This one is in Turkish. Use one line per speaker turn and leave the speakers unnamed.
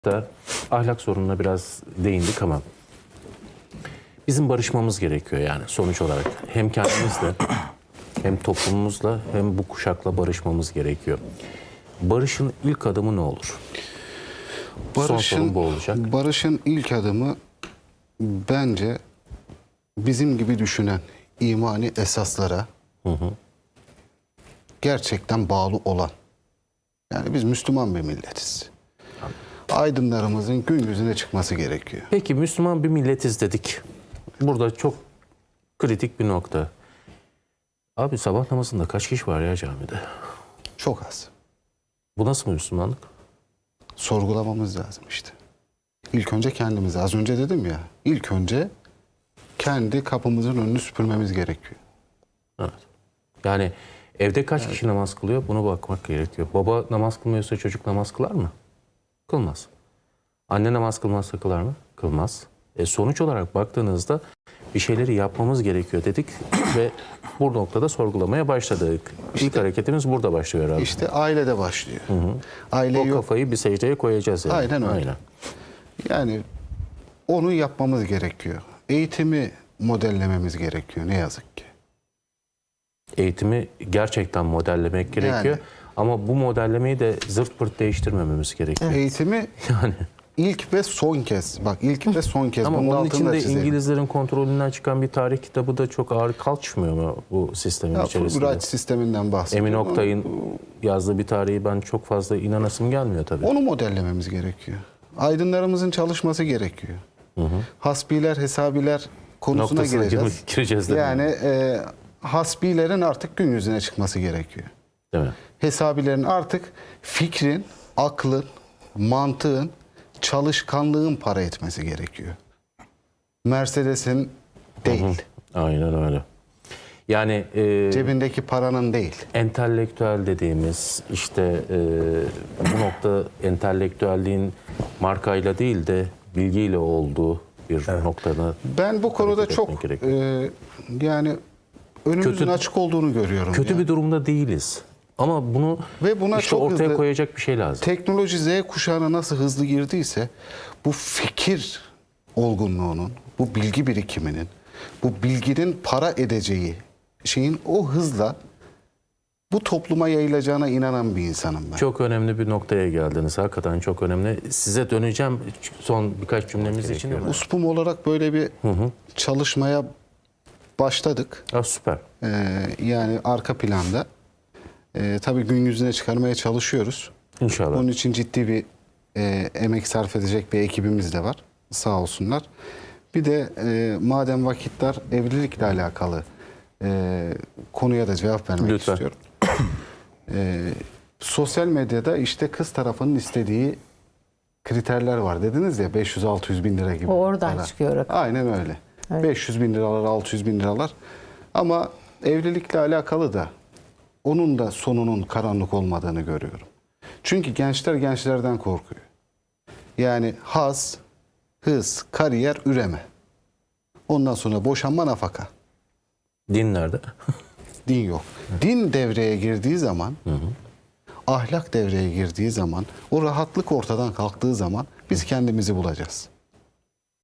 da ahlak sorununa biraz değindik ama bizim barışmamız gerekiyor yani sonuç olarak. Hem kendimizle hem toplumumuzla hem bu kuşakla barışmamız gerekiyor. Barışın ilk adımı ne olur? Son sorun bu olacak.
Barışın ilk adımı bence bizim gibi düşünen imani esaslara gerçekten bağlı olan. Yani biz Müslüman bir milletiz. Aydınlarımızın gün yüzüne çıkması gerekiyor.
Peki Müslüman bir milletiz dedik. Burada çok kritik bir nokta. Abi sabah namazında kaç kişi var ya camide?
Çok az.
Bu nasıl bir Müslümanlık?
Sorgulamamız lazım işte. İlk önce kendimizi, az önce dedim ya, ilk önce kendi kapımızın önünü süpürmemiz gerekiyor.
Evet. Yani evde kaç kişi namaz kılıyor? Buna bakmak gerekiyor. Baba namaz kılmıyorsa çocuk namaz kılar mı? Kılmaz. Anne namaz kılmazsa kılar mı? Kılmaz. Sonuç olarak baktığınızda bir şeyleri yapmamız gerekiyor dedik ve bu noktada sorgulamaya başladık. İlk hareketimiz burada başlıyor herhalde.
İşte ailede başlıyor. Aile
O
yok.
kafayı bir secdeye koyacağız yani.
Aynen öyle. Yani onu yapmamız gerekiyor. Eğitimi modellememiz gerekiyor ne yazık ki.
Eğitimi gerçekten modellemek gerekiyor.
Yani.
Ama bu modellemeyi de zırt pırt değiştirmememiz gerekiyor.
Eğitimi
Yani.
ilk ve son kez. Bak ilk ve son kez.
Ama
bunun
onun
altını
için
da
de
çizelim.
İngilizlerin kontrolünden çıkan bir tarih kitabı da çok ağır kalçmıyor mu bu sistemin
Ya,
içerisinde?
Fulbright sisteminden bahsediyorum.
Emin Oktay'ın yazdığı bir tarihi ben çok fazla inanasım gelmiyor tabii.
Onu modellememiz gerekiyor. Aydınlarımızın çalışması gerekiyor. Hasbiler, hesabiler konusuna
Noktasına
gireceğiz.
gireceğiz değil mi?
Yani hasbilerin artık gün yüzüne çıkması gerekiyor.
Değil mi?
Hesabilerin artık fikrin, aklın, mantığın, çalışkanlığın para etmesi gerekiyor. Mercedes'in değil.
Aynen öyle. Yani
Cebindeki paranın değil.
entelektüel dediğimiz işte bu nokta entelektüelliğin markayla değil de bilgiyle olduğu bir noktada.
Ben bu konuda
hareket
çok
etmek gerekiyor.
yani önümüzün
Kötü-
açık olduğunu görüyorum.
Kötü
ya.
bir durumda değiliz. Ama bunu
Ve buna
işte
çok
ortaya
hızlı-
koyacak bir şey lazım.
Teknoloji Z kuşağına nasıl hızlı girdiyse bu fikir olgunluğunun, bu bilgi birikiminin, bu bilginin para edeceği şeyin o hızla bu topluma yayılacağına inanan bir insanım ben.
Çok önemli bir noktaya geldiniz. Hakikaten çok önemli. Size döneceğim son birkaç cümlemiz için ama.
USPUM olarak böyle bir çalışmaya başladık.
Süper.
Yani arka planda. Tabii gün yüzüne çıkarmaya çalışıyoruz.
İnşallah.
Onun için ciddi bir emek sarf edecek bir ekibimiz de var. Sağ olsunlar. Bir de madem vakitler evlilikle alakalı konuya da cevap vermek
Lütfen.
istiyorum. Sosyal medyada işte kız tarafının istediği kriterler var. Dediniz ya 500-600 bin lira gibi.
O oradan
para.
çıkıyor rakam.
Aynen öyle.
Evet.
500 bin liralar, 600 bin liralar. Ama evlilikle alakalı da onun da sonunun karanlık olmadığını görüyorum. Çünkü gençler gençlerden korkuyor. Yani haz, hız, kariyer, üreme. Ondan sonra boşanma, nafaka.
Din nerede?
Din yok. Din devreye girdiği zaman, ahlak devreye girdiği zaman, o rahatlık ortadan kalktığı zaman biz kendimizi bulacağız.